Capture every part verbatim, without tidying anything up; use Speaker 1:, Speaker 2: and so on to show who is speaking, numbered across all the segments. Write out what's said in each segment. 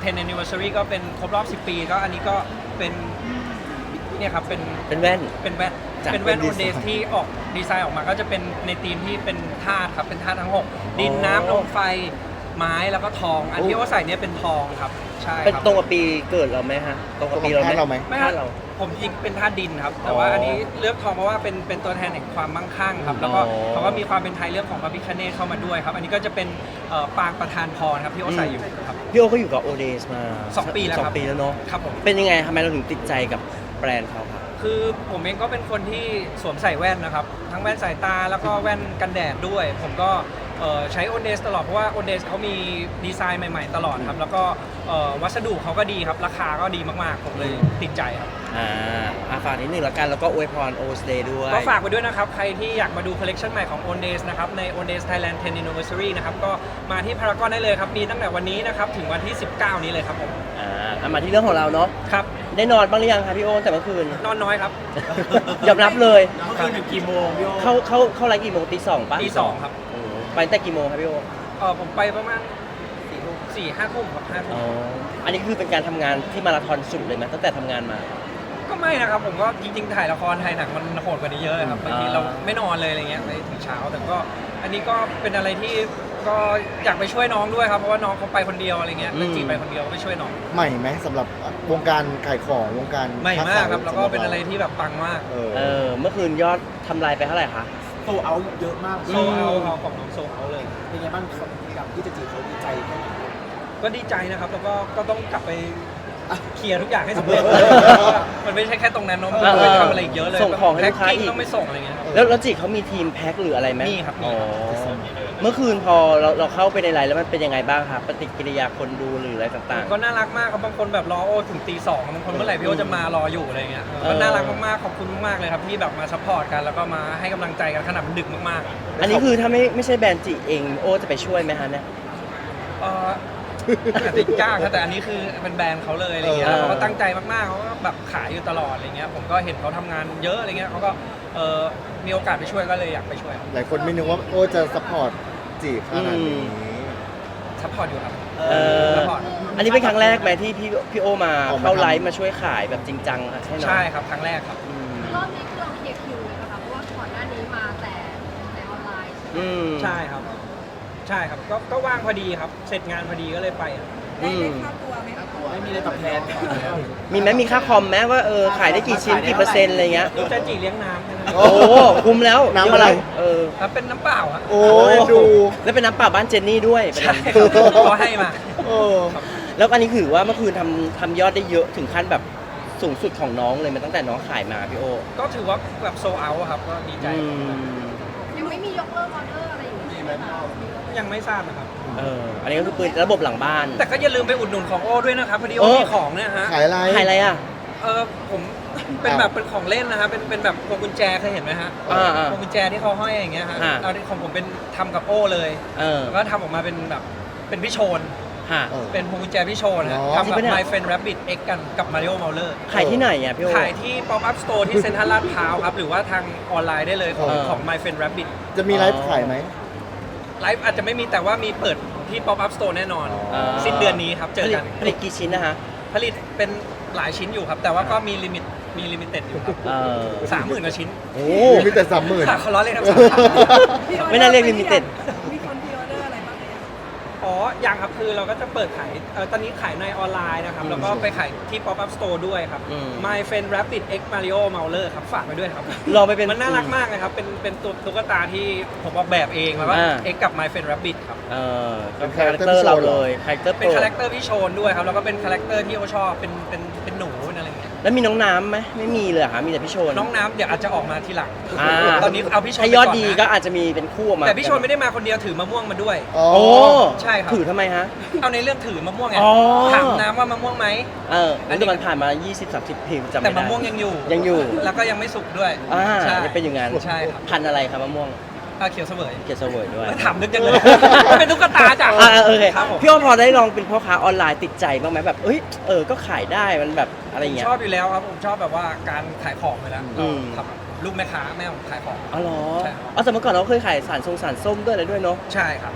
Speaker 1: เทน anniversary ก็เป็นครบรอบสิบปีก็อันนี้ก็เป็นเนี่ยครับเป็น
Speaker 2: เป็นแว่น
Speaker 1: เป็นแว่น
Speaker 2: จาก
Speaker 1: เป็นแว่น
Speaker 2: เป็น
Speaker 1: โอ
Speaker 2: ดี
Speaker 1: เด
Speaker 2: ไซน์
Speaker 1: สที่ออกดีไซน์ออกมาก็จะเป็นในธีมที่เป็นธาตุครับเป็นธาตุทั้งหกดิน
Speaker 2: อ๋อ
Speaker 1: น้ำลมไฟไม้แล้วก็ทองอันที่โอใส่เนี่ยเป็นทองครับใช่
Speaker 2: เป็น
Speaker 1: ครับ
Speaker 2: ตรงกับปีเกิดเราไหมฮะตรงกับปีเรา
Speaker 3: ตรงกับธาตุเราไห
Speaker 2: ไห
Speaker 3: ม
Speaker 2: ม
Speaker 1: ไม่
Speaker 2: ธา
Speaker 1: ฮะ
Speaker 2: ตุเรา
Speaker 1: ผมจริงเป็นธาตุดินครับแต่ว่า
Speaker 2: อ๋ออั
Speaker 1: อันนี้เลือกทองเพราะว่าเป็นเป็นตัวแทนแห่งความมั่งคั่งครับแล้วก็
Speaker 2: อ๋อ
Speaker 1: เขาก็มีความเป็นไทยเรื่องของพระพิฆเนศเข้ามาด้วยครับอันนี้ก็จะเป็นเอ่อปางประธานพรครับที่โอใส่อยู่ครับ
Speaker 2: พี่โอก็อยู่กับโอเดสมา
Speaker 1: สองปีแล้ว
Speaker 2: ส
Speaker 1: ค
Speaker 2: อ
Speaker 1: รั
Speaker 2: ง
Speaker 1: บ
Speaker 2: ปีแล้วเนาะ
Speaker 1: ครับผม
Speaker 2: เป็นยังไงทำไมเราถึงติดใจกับแบรนด์เขาครับ
Speaker 1: คือผมเองก็เป็นคนที่สวมใส่แว่นนะครับทั้งแว่นสายตาแล้วก็แว่นกันแดดด้วย ผมก็เอ่อใช้โอเดสตลอดเพราะว่าโอเดสเขามีดีไซน์ใหม่ๆตลอดครับแล้วก็เอ่อวัสดุเขาก็ดีครับราคาก็ดีมากๆผมเลยติดใจครับ
Speaker 2: อ่าอ่ะฝากนิดนึงแล้วกันแล้วก็อวยพรโอสเดย์ด้วย
Speaker 1: ก็ฝากไปด้วยนะครับ ใครที่อยากมาดูคอลเลกชันใหม่ของ Ondays นะครับใน Ondays Thailand เท็น Anniversary นะครับก็มาที่พารากอนได้เลยครับ มีตั้งแต่วันนี้นะครับ ถึงวันที่ สิบเก้า นี้เลยครับผม
Speaker 2: อ่าอ่ะมาที่เรื่องของเราเนาะ
Speaker 1: ครับ
Speaker 2: ได้นอนบ้างหรือยังคะพี่โอตั้งแต่เมื่อคืน
Speaker 1: นอนน้อยครับ
Speaker 2: ยอมรับเลย
Speaker 1: เมื่อคืนถึงกี่โมงพี่โอ
Speaker 2: เข้าเข้าเข้าไลฟ์กี่โมงตีสองปะ
Speaker 1: ตีสองครับ
Speaker 2: โอ้ไปตั้งแต่กี่โมงครับพี่โอ
Speaker 1: เออผมไปประมาณสี่ทุ่มสี่ห้าทุ่มครับห้าทุ่
Speaker 2: อ๋
Speaker 1: ม
Speaker 2: ออันนี้คือเป็นการทำงานที่มาราธอนสุดเลยไหมตั้งแต่ทำงานมา
Speaker 1: ก็ไม่นะครับ ผมก็จริงๆ ถ่ายละครถ่ายหนังมันโหดกว่านี้เยอะครับบางที
Speaker 2: อ่า
Speaker 1: เราไม่นอนเลยอะไรเงี้ยไปถึงเช้า แต่ก็อันนี้ก็เป็นอะไรที่ก็อยากไปช่วยน้องด้วยครับเพราะว่าน้องเขาไปคนเดียวอะไรเงี้ย
Speaker 2: อืม
Speaker 1: เป็นจีไปคนเดียวก็ไปช่วยน้อง
Speaker 3: ใหม่ไหมสำหรับวงการขายของวงการ
Speaker 1: ใหม่มากครับแล้วก็
Speaker 3: สำห
Speaker 1: เป็นอะไรที่แบบปังมาก
Speaker 3: เออ
Speaker 2: เออเมื่อคืนยอดทำลายไปเท่าไหร่คะ
Speaker 4: โซเอาเยอะมาก
Speaker 1: โซเอาเอาของน้องโซเอาเลย
Speaker 4: เป็นไงบ้างกับที่จะจีบเขาดีใจแค่ไหน
Speaker 1: ก็ดีใจนะครับ แล้วก็ก็ต้องกลับไปเคลียร์ทุกอย่างให้สำเร็จ มันไม่ใช่แค่ตรงนั้นเนอะมัน
Speaker 2: เออ
Speaker 1: ไปทำอะไรอีกเยอะเลย
Speaker 2: ส่งของให้ลูกค้า
Speaker 1: แพ็ค
Speaker 2: อี
Speaker 1: กิ้
Speaker 2: ก
Speaker 1: ต้องไปส่งอะไรเงี้ยครับ
Speaker 2: แล้วแล้วจีเขามีทีมแพ็คหรืออะไรไหม
Speaker 1: มีครับมี
Speaker 2: อ๋อ
Speaker 1: ครับ
Speaker 2: เมื่อคืนพอเราเราเข้าไปในไลน์แล้วมันเป็นยังไงบ้างครับปฏิกิริยาคนดูหรืออะไรต่าง
Speaker 1: ก็น่ารักมากครับบางคนแบบรอโอถึงตีสองบางคนเมื่อไหร่พี่โอจะมารออยู่อะไรเงี้ย
Speaker 2: เออ
Speaker 1: ก็น่ารักมากๆขอบคุณมากๆเลยครับที่แบบมาซัพพอร์ตกันแล้วก็มาให้กำลังใจกันขนาดมันดึกมากๆอะ
Speaker 2: ๆ อันนี้คือถ้าไม่ไม่ใช่แบรนด์จีเองโอจะไปช่วยไหมฮะเนี่ย
Speaker 1: เอ่ออาจจะยากครับแต่อันนี้คือเป็นแบรนด์เขาเลยอะไรเงี้ย
Speaker 2: เออ
Speaker 1: แล้วเขาก็ตั้งใจมากๆเขาก็แบบขายอยู่ตลอดอะไรเงี้ยผมก็เห็นเขาทำงานเยอะอะไรเงี้ยเขาก็เอ่อมีโอกาสไปช่วยก็เลยอยากไปช่วย
Speaker 3: หลายคนไม่นึกว่าโอ้จะซัพพอร์ตจีบขนาดนี้
Speaker 1: ซัพพอร์ตอยู่ครับ
Speaker 2: เออ
Speaker 1: ซัพพอร์ต
Speaker 2: อันนี้เป็นครั้งแรกไหมที่พี่พี่โอมา
Speaker 3: ออกมา
Speaker 2: เข้า
Speaker 3: ทำ
Speaker 2: ไลฟ์มาช่วยขายแบบจริงจังอะใช่ไหม
Speaker 1: ใช่ครับครั้งแรกครับ
Speaker 2: อืม
Speaker 5: รอบนี้คือเราเคลียร์คิวเลยนะคะเพราะว่าก่อนหน้านี้มาแต่แต่ออนไลน์ใช่ไหม
Speaker 2: อืม
Speaker 1: ใช่ครับ ใช่ครับก็ก็ว่างพอดีครับ เสร็จงานพอดีก็เลยไปอะ
Speaker 2: อืม
Speaker 4: ไม่มีอะไรตอบแทน
Speaker 2: มีไหมมีค่าคอมไหมว่าเออขายได้กี่ชิ้นกี่เปอร์เซ็นต์อะไรเงี้ย
Speaker 1: ดูจะจีเลี้ยงน้ำแค่นั้น
Speaker 3: โอ้
Speaker 2: โอ้คุ้มแล้ว
Speaker 3: น้ำอะไร
Speaker 2: เออ
Speaker 1: แล้วเป็นน้ำเปล่าอะ
Speaker 3: โอ้ยดู
Speaker 2: แล้วเป็นน้ำเปล่าบ้านเจนนี่ด้วยประเด็
Speaker 1: ใช่
Speaker 2: น
Speaker 1: ครับเขาให้มา
Speaker 3: เออ
Speaker 2: แล้วอันนี้คือว่าเมื่อคืนทำทำยอดได้เยอะถึงขั้นแบบสูงสุดของน้องเลยมันตั้งแต่น้องขายมาพี่โอ
Speaker 1: ก็ถือว่าแบบโซเอาครับก็ดีใจ
Speaker 2: อืม
Speaker 5: ยังไม่มียกเลิกออเดอร์อะไรอย่างเงี้ยใช่ไหมคะ
Speaker 1: ยังไม่ทราบนะครับ
Speaker 2: เอออันนี้ก็คือปืนระบบหลังบ้าน
Speaker 1: แต่ก็อย่าลืมไปอุดหนุนของโอ้ด้วยนะครับพอดี
Speaker 2: โอ้
Speaker 1: โอ้มีของเนี่ยฮะ
Speaker 3: ขายอะไร
Speaker 2: ขายอะไรอ่ะ
Speaker 1: เออผมเป็นแบบเป็นของเล่นนะฮะเป็นเป็นแบบพวงกุญแจเคยเห็นไหมฮะ
Speaker 2: อ่าอ่า
Speaker 1: พวงกุญแจที่เขาห้อยอย่างเงี้ยฮะ
Speaker 2: อ่า
Speaker 1: เอาที่ของผมเป็นทำกับโอ้เลย
Speaker 2: เออ
Speaker 1: แล้วก็ทำออกมาเป็นแบบเป็นพี่โชน
Speaker 2: ฮะ
Speaker 3: เออ
Speaker 1: เป็นพวงกุญแจพี่โชนฮะ
Speaker 3: อ๋อ
Speaker 1: ทำ
Speaker 2: จริง
Speaker 1: กับ
Speaker 2: ปะเนี่ย
Speaker 1: My Friend Rabbit X กันกับ Mario Mauler
Speaker 2: ขายที่ไหนอ่ะพี่โอ
Speaker 1: ขายที่ Pop Up Store ที่เซ็นทรัลลาดพร้าวครับ หรือว่าทางออนไลน์ได้เลยของ
Speaker 2: เออ
Speaker 1: ของ My Friend Rabbit
Speaker 3: จะมีไลฟ์ขายไหม
Speaker 1: ไลฟ์อาจจะไม่มีแต่ว่ามีเปิดที่ Pop Up Store แน่นอน
Speaker 3: อ๋อ
Speaker 1: สิ้นเดือนนี้ครับ เจอกัน
Speaker 2: ผลิตกี่ชิ้นนะฮะ
Speaker 1: ผลิตเป็นหลายชิ้นอยู่ครับ แต่ว่าก็มีลิมิตมีลิมิเต็ดอยู่ครับ
Speaker 2: เออ
Speaker 1: สามหมื่นกว่าชิ้น
Speaker 2: โอ้
Speaker 3: มีแต่สามหมื่น
Speaker 1: ค่ะเขาล้อเล่นครับ
Speaker 2: ไม่น่าเรียกลิมิเต็ด
Speaker 5: มีคนพรีออเดอร์อะไรบ้างไหม
Speaker 1: อ๋อยังครับคือเราก็จะเปิดขายเอ่อตอนนี้ขายในออนไลน์นะครับ แล้วก็ไปขายที่ Pop Up Store ด้วยครับ
Speaker 2: อืม
Speaker 1: My Friend Rabbit X Mario Mauler ครับฝากไปด้วยครับ
Speaker 2: ลองไปเป็น
Speaker 1: มันน่ารักมากเลยครับ เป็นเป็นตัวตุ๊กตาที่ผมออกแบบเองแล้วก็
Speaker 2: อ่า
Speaker 1: เอ็กกับ My Friend Rabbit ครับ
Speaker 2: เออ
Speaker 3: เป็
Speaker 2: เป็น
Speaker 3: น
Speaker 2: คาแรคเตอร์
Speaker 3: character
Speaker 2: เรา
Speaker 3: โชว์เหร
Speaker 2: เล
Speaker 3: อ
Speaker 2: ยคาแรคเตอร์
Speaker 1: เป็น
Speaker 2: โปร
Speaker 1: คาแรคเตอร์พี่โชนด้วยครับ แล้วก็เป็นคาแรคเตอร์ที่เขาชอบ เป็นเป็นเป็นหนูเป็นอะไรอย่างเงี้ย
Speaker 2: แล้วมีน้องน้ำไหมไม่มีเลยเหรอคะมีแต่พี่โชน
Speaker 1: น้องน้ำเดี๋ยวอาจจะออกมาทีหลัง
Speaker 2: อ่า
Speaker 1: ตอนนี้เอาพี่โชน
Speaker 2: ถ้า
Speaker 1: ไป
Speaker 2: ยอด
Speaker 1: ก่น
Speaker 2: ดี
Speaker 1: นะ
Speaker 2: ก็อาจจะมีเป็นคู่ออกมา
Speaker 1: แต่พี่โชนไม่ได้มาคนเดียวถือมะม่วงมาด้วย
Speaker 3: อ๋อ
Speaker 2: โอ้
Speaker 1: ใช่ครับ
Speaker 2: ถือทำไมฮะ
Speaker 1: เอาในเรื่องถือมะม่วงไง
Speaker 2: อ๋อ
Speaker 1: ถามน้ำว่ามะม่วงไหม
Speaker 2: เออ
Speaker 1: อันนี้
Speaker 2: แต่มันผ่านมา ยี่สิบ สามสิบเพลงจำไม่ได้
Speaker 1: แต่มะม่วงยังอยู่
Speaker 2: ยังอยู่
Speaker 1: แล้วก็ยังไม่สุกด้วย
Speaker 2: อ่า
Speaker 1: ใช่
Speaker 2: ยังเป็นอย่างนั้น
Speaker 1: ใช่ครับ
Speaker 2: พันธุ์อะไรครับมะม่วง
Speaker 1: อ่าเขียวเสวย
Speaker 2: เกียรติเสวยด้วย
Speaker 1: ถามนึกจังเลย เป็นตุ๊กตาจ้ะ
Speaker 2: อ่าโอเค
Speaker 1: ครับผม
Speaker 2: พี่อ้อพอได้ลองเป็นพ่อค้าออนไลน์ติดใจบ้างไหมแบบเอ้ยเออก็ขายได้มันแบบอะไรอย่างเงี้ย
Speaker 1: ชอบอยู่แล้วครับผมชอบแบบว่าการขายของเลยแล้ว
Speaker 2: อืม
Speaker 1: ครับลูกแม่ค้าแม่ผมขายของ
Speaker 2: อ๋อเหรอ
Speaker 1: ใช่ครับ
Speaker 2: อ๋อแต่เมื่อก่อนเราเคยขายสารทรงสารส้มด้วยอะไรด้วยเนาะ
Speaker 1: ใช่ครับ
Speaker 2: อ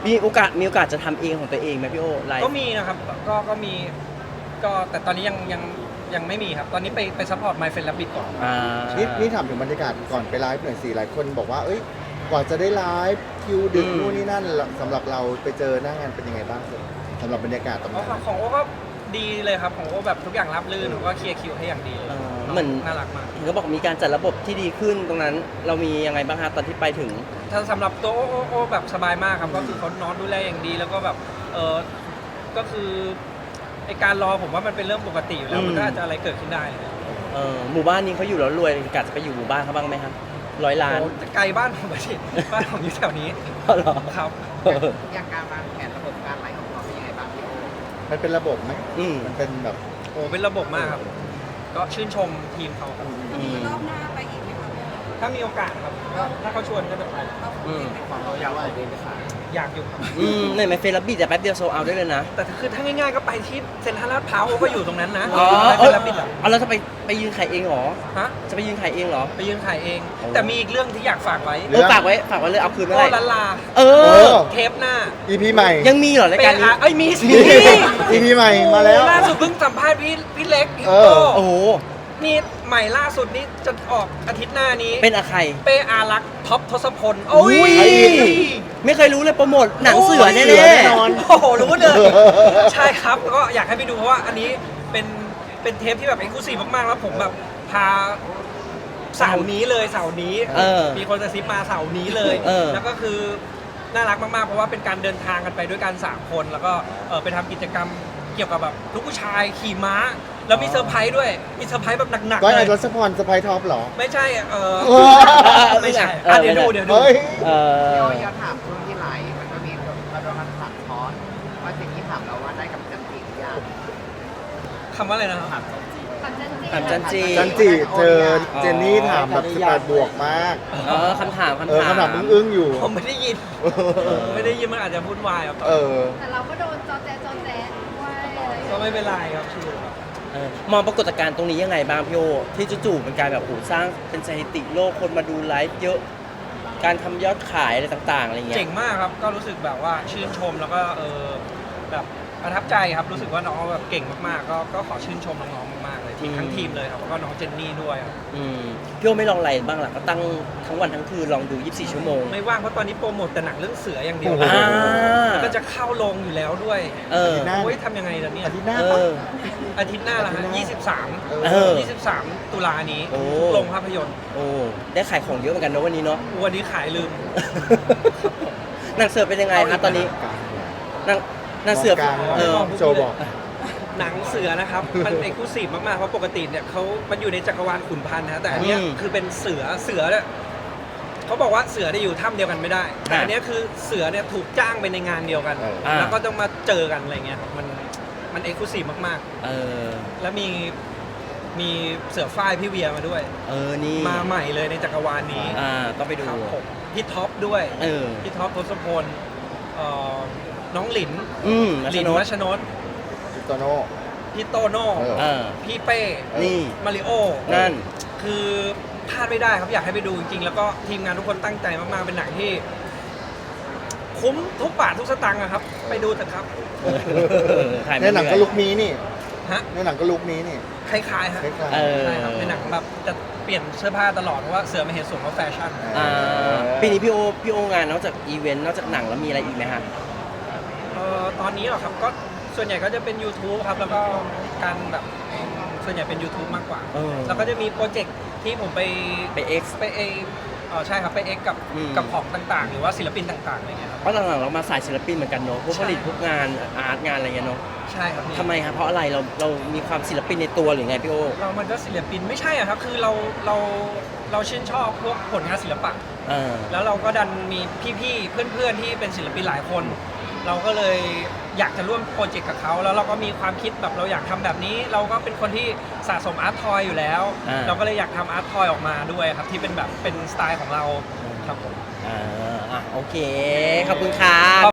Speaker 2: มีโอกาสมีโอกาสจะทำเองของตัวเองไหมพี่โอไลฟ์
Speaker 1: ก็มีนะครับก็ก็มีก็แต่ตอนนี้ยังยังยังไม่มีครับ ตอนนี้ไปไปซัพพอร์ต My Friend Rabbit ก่อน
Speaker 2: อ่า
Speaker 3: นี่นี่ถามถึงบรรยากาศก่อนไปไลฟ์หน่อยสิหลายคนบอกว่า เอ้ยกว่าจะได้ไลฟ์คิวดึกนู่นนี่นั่นสำหรับเราไปเจอหน้างานเป็นยังไงบ้างสำหรับบรรยากาศตรง
Speaker 1: อ๋อ
Speaker 3: นั้น
Speaker 1: ของของโอ้ก็ดีเลยครับของโอ้แบบทุกอย่างรับรื่นผมก็เคลียร์คิวให้อย่างดีเลย
Speaker 2: เออเหมือน
Speaker 1: น่ารักมาก
Speaker 2: เห็นเขาบอกมีการจัดระบบที่ดีขึ้นตรงนั้น เรามียังไงบ้างฮะตอนที่ไปถึง
Speaker 1: ถ้าสำหรับตัวโอ้โอ้โอ้แบบสบายมากครับก็คือเขานอนดูแลอย่างดีแล้วก็แบบเออก็คือไอการรอผมว่ามันเป็นเรื่องปกติอยู่แล้ว
Speaker 2: อืม
Speaker 1: มันก็อาจจะอะไรเกิดขึ้นได้เลย
Speaker 2: เออหมู่บ้านนี้เขาอยู่แล้วรวยกะจะไปอยู่หมู่บ้านเขาบ้างไหมครับร้อยล้าน
Speaker 1: โอ้แต่ไกลบ้านผมไปสิบ้านผมอยู่แถวนี้
Speaker 2: อ๋อเหรอ
Speaker 1: ครับ
Speaker 2: เออ
Speaker 4: อย่างการวางแผนระบบการไลฟ์ของเราเป็นยังไงบ้างพี่โอ
Speaker 3: มันเป็นระบบไหม
Speaker 2: อืม
Speaker 3: มันเป็นแบบ
Speaker 1: โอ้เป็นระบบมากครับ ก็ชื่นชมทีมเขาครับ
Speaker 2: อืม
Speaker 5: รอบหน้าไปอีกไหมคะ
Speaker 1: ถ้ามีโอกาสครับก็ถ้าเขาชวนก็จะไป
Speaker 2: อืม
Speaker 4: ของเราอยากออกเดินไปขาย
Speaker 1: อยากอยู่ครับ
Speaker 2: อืมเนี่ยไม่เฟรบิดแต่แป๊บเดียวโซเอาได้เลยนะ
Speaker 1: แต่คือถ้าง่ายๆก็ไปที่เซ็นทรัลลาดพร้าวก็อยู่ตรงนั้นนะ
Speaker 2: อ๋อ
Speaker 1: ไม่
Speaker 2: เอ
Speaker 1: เป็น
Speaker 2: อ
Speaker 1: รับบิดอ่ะ
Speaker 2: เอาแล้วจะไปไปยืนขายเองเหรอ
Speaker 1: ฮะ
Speaker 2: จะไปยืนขายเองเหรอ
Speaker 1: ไปยืนขายเอง
Speaker 2: โอ้
Speaker 1: แต่มีอีกเรื่องที่อยากฝากไว้
Speaker 2: เออฝากไว้ฝากไว้เลยเอาคืนเมื่อ
Speaker 1: โอ้
Speaker 2: ไหร่
Speaker 1: ลันลา
Speaker 2: เอ
Speaker 3: เอ
Speaker 2: อ
Speaker 3: อ
Speaker 1: เทปหน้า
Speaker 3: อีพีใหม่
Speaker 2: ยังมีเหรอรายการนี้
Speaker 1: เปเอ้ยมีสิ
Speaker 3: อีพีใหม่มาแล้ว
Speaker 1: ล่าสุดเพิ่งสัมภาษณ์พี่พี่เล็กพี่
Speaker 3: เอ
Speaker 1: โต
Speaker 3: อ
Speaker 2: โอ้โห
Speaker 1: นี่ใหม่ล่าสุดนี่จะออกอาทิตย์หน้านี้
Speaker 2: เป็นอะใคร
Speaker 1: เป้อารักษ์ท็อปทศพลโอ้ย
Speaker 2: อุ้ย ไม่เคยรู้เลยโปรโมทหนังเสือแน่
Speaker 3: เสือแน่นอน
Speaker 1: โอ้โหรู้เลย ใช่ครับก็อยากให้ไปดูเพราะว่าอันนี้เป็นเป็นเทปที่แบบเอ็กซ์คลูซีฟมากๆแล้วผมแบบพาเสาร์นี้เลยเสาร์นี้
Speaker 2: เออ
Speaker 1: มีคนจะซิปมาเสาร์นี้เลย
Speaker 2: เออ
Speaker 1: แล้วก็คือน่ารักมากๆเพราะว่าเป็นการเดินทางกันไปด้วยกันสามคนแล้วก็เออไปทำกิจกรรมเกี่ยวกับแบบลูกผู้ชายขี่ม้า แล้วมีเซอร์ไพรส์ด้วยมีเซอร์ไพรส์แบบหนัก
Speaker 3: ก้อ
Speaker 1: ๆ
Speaker 3: ย
Speaker 1: เล
Speaker 3: ไอ้
Speaker 1: ย
Speaker 3: รัชพรสไปท็อปเหรอ
Speaker 1: ไม่ใช่เออ
Speaker 3: เออ
Speaker 1: ไม่ใช่
Speaker 2: เออ
Speaker 1: อ่ะเดี๋ยวดูเดี๋ยวดู
Speaker 3: เฮ้ย
Speaker 2: เออ
Speaker 4: พี่โออยากถามช่วงที่ไลฟ์มันก็มีเราโดนมันถามคอร์สว่าสิ่งที่ถามเราว่าได้กับจันทร์หรือยัง
Speaker 1: คำว่าอะไรนะครับ
Speaker 4: ถามจันทร์
Speaker 5: ปัจจันจี
Speaker 2: ถามจันจี
Speaker 3: จันจิเจอเจนนี่ถามแบบสิบแปดบวกมาก
Speaker 2: เออคำถามคำถาม
Speaker 3: เออคำถามอึ้งๆอยู่
Speaker 1: ผมไม่ได้ยิน ไม่ได้ยินมันอาจจะพูดวายครับ
Speaker 3: เออ
Speaker 5: แต่เราก็โดนจอแจจอแจด้วยอะไรอย่าง
Speaker 1: ก็
Speaker 5: เงี้ย
Speaker 1: ไม่เป็นไรครับชิวครับ
Speaker 2: เออมองปรากฏการณ์ตรงนี้ยังไงบ้างพี่โอที่จู่ๆเป็นการแบบโหสร้างเป็นสถิติโลกคนมาดูไลฟ์เยอะ การทำยอดขายอะไรต่างๆอะไรเงี้ย
Speaker 1: เจ๋งมากครับ ก็รู้สึกแบบว่าชื่นชมแล้วก็เออแบบประทับใจครับ รู้สึกว่าน้องแบบเก่งมากๆ ก็ก็ขอชื่นชมน้องๆมากๆเลยทีมทั้งทีมเลยครับแล้วก็น้องเจนนี่ด้วยครับ
Speaker 2: อืมพี่โอไม่ลองอะไรบ้างล่ะก็ตั้งทั้งวันทั้งคืนลองดูยี่สิบสี่ชั่วโมง
Speaker 1: ไม่ว่างเพราะตอนนี้โปรโมทแต่หนังเรื่องเสืออย่างเดียว
Speaker 3: โอ้โห
Speaker 2: อ่า
Speaker 1: แล้วก็จะเข้าลงอยู่แล้วด้วย
Speaker 2: เออ
Speaker 3: หน้า
Speaker 1: โอ้ยทำยังไงล่ะเนี่ย
Speaker 3: อาทิตย์หน้า
Speaker 2: เอ
Speaker 3: ปะ
Speaker 2: อ
Speaker 1: อาทิตย์หน้าละฮะ
Speaker 3: อาทิตย์หน้า
Speaker 1: ยี่สิบสาม
Speaker 2: เออ
Speaker 1: ยี่สิบสามตุลานี้
Speaker 2: โอ้
Speaker 1: ทุกโรงภาพยนตร์
Speaker 2: โอ้ได้ขายของเยอะเหมือนกันเนอะวันนี้เนาะ
Speaker 1: วันนี้ขายลืม
Speaker 2: หนังเสือเป็นยังไงฮะตอนนี้หนังหนังเสือ
Speaker 3: มองกลาง
Speaker 2: เออ
Speaker 3: โชว์บอก
Speaker 1: หนังเสือนะครับ มันเอกลูซีฟมากๆ เพราะปกติเนี่ยเขามันอยู่ในจักรวาลขุนพันธ์นะแต่อันเนี้ย
Speaker 2: อืม
Speaker 1: คือเป็นเสือเสือเนี่ยเขาบอกว่าเสือได้อยู่ถ้ำเดียวกันไม่ได้ แต่อันเนี้ยคือเสือเนี่ยถูกจ้างไปในงานเดียวกัน
Speaker 3: เออ
Speaker 2: อ่า
Speaker 1: แล้วก็ต้องมาเจอกันอะไรเงี้ยครับมันมันเอกลูซีฟมาก
Speaker 2: เออ
Speaker 1: ๆ แล้วมีมีเสือฝ้ายพี่เวียมาด้วย
Speaker 2: เออนี่
Speaker 1: มาใหม่เลยในจักรวาลนี้
Speaker 2: อ่าก็ไปดู
Speaker 1: ครับผมพี่ท็อปด้วย
Speaker 2: เออ
Speaker 1: พี่ท็อปทศพลเอ่อน้องหลิน
Speaker 2: อืมรั
Speaker 1: ห
Speaker 2: ช
Speaker 1: ลิน
Speaker 2: น
Speaker 1: มั
Speaker 2: ก
Speaker 1: ชนน
Speaker 3: โตโน่
Speaker 1: พี่โตโน่
Speaker 3: เออ
Speaker 2: เออ
Speaker 1: พี่เป้
Speaker 2: นี่
Speaker 1: มาริโอ
Speaker 2: นั่น
Speaker 1: คือพลาดไม่ได้ครับอยากให้ไปดูจริงๆ แล้วก็ทีมงานทุกคนตั้งใจมากๆ เป็นหนังที่ คุ้มทุกบาททุกสตางค์อะครับ ไปดูเถอะครับ
Speaker 2: ถ่าย
Speaker 3: ในหนังก็ลุกนี้นี่
Speaker 1: ฮะ
Speaker 3: ในหนังก็ลุกนี้นี่
Speaker 1: คล้ายๆฮะ
Speaker 3: คล้าย
Speaker 2: เออ
Speaker 1: ใช่ครับในหนังแบบจะเปลี่ยนเสื้อผ้าตลอดเพราะว่าเสือไม่เห็นสวมว่าแฟชั่น
Speaker 2: อ่าปีนี้พี่โอพี่โองานนอกจากอีเวนต์นอกจากหนังแล้วมีอะไรอีกไหมฮะ
Speaker 1: เอ่อตอนนี้เหรอครับก็ส่วนใหญ่ก็จะเป็น YouTube ครับ แล้วก็การแบบส่วนใหญ่เป็น YouTube มากกว่า
Speaker 2: เออ
Speaker 1: แล้วก็จะมีโปรเจกต์ที่ผมไป
Speaker 2: ไป X
Speaker 1: ไปเอเออใช่ครับไปเอ็กกับ
Speaker 2: อืม
Speaker 1: กับของต่างๆ หรือว่าศิลปินต่างๆอะไรเงี้ยครับ
Speaker 2: เพราะหลังๆเรามาสายศิลปินเหมือนกันเนอะพวกผลิตพวกงานอาร์ตงานอะไรเงี้ยเนอะ
Speaker 1: ใช่ครับพี่
Speaker 2: ทำไมครับเพราะอะไรเราเรามีความศิลปินในตัวหรือไงพี่โอ
Speaker 1: เรามันก็ศิลปินไม่ใช่อะครับ คือเราเราเราชื่นชอบพวกผลงานศิลปะ
Speaker 2: เออ
Speaker 1: แล้วเราก็ดันมีพี่ๆ เพื่อนๆ ที่เป็นศิลปินหลายคน เราก็เลยอยากจะร่วมโปรเจกต์กับเขา แล้วเราก็มีความคิดแบบเราอยากทำแบบนี้ เราก็เป็นคนที่สะสมอาร์ตทอยอยู่แล้ว
Speaker 2: อ่า
Speaker 1: เราก็เลยอยากทำอาร์ตทอยออกมาด้วยครับ ที่เป็นแบบเป็นสไตล์ของเราครับผม
Speaker 2: อ่าอ่ะโอเค ขอบคุณครับ